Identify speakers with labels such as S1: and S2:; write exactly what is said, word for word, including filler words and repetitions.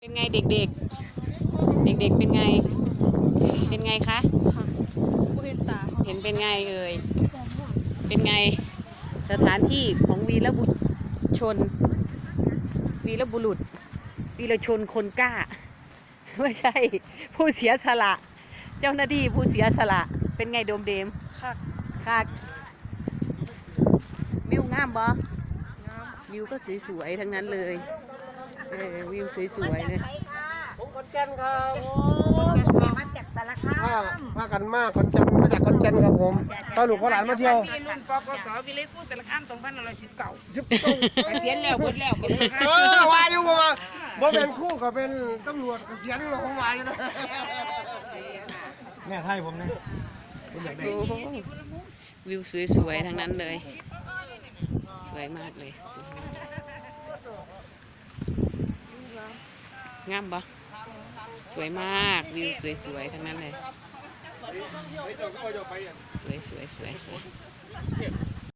S1: เป็นไงเด็กๆ เด็กๆ เป็นไง เป็นไงคะ
S2: ค่ะเห็นตา
S1: เห็นเป็นไงเอ่ย เป็นไงสถานที่ของวีรบุชน วีรบุรุษ วีรชนคนกล้า ไม่ใช่ผู้เสียสละ เจ้าหน้าที่ผู้เสียสละ เป็นไงโดมเดม
S2: ค่ะ
S1: ค่ะวิวงามบ่วิวก็สวยๆทั้งนั้นเลยเออวิวสวยๆเลย
S3: ผมขอนแก่นครับ
S2: มาจากสารคา
S3: พาม พากันมาขอนแก่นมาจากขอนแก่นครับผมตอนลูกพ่อหลานมาเที่ยว
S4: มีรุ่นปกสวิเลยผู้สารคามสองพันห้าร้อยสิบเก้า
S3: สิบเก้า
S4: เกษียณแล้วเบิดแล้วก็เลย
S3: เออวาอยู่บ่มาบ่เป็นครู่ก็เป็นตำรวจเกษียณหรอกผมวาอยู่นะแม่ไทยผมเนี่ยผมอยากได้
S1: โอ้โหวิวสวยๆทั้งนั้นเลย สวยมากเลยสวยมากงามบ่สวยมากวิวสวยๆทั้งนั้นเลยสวยสวยสวยสวย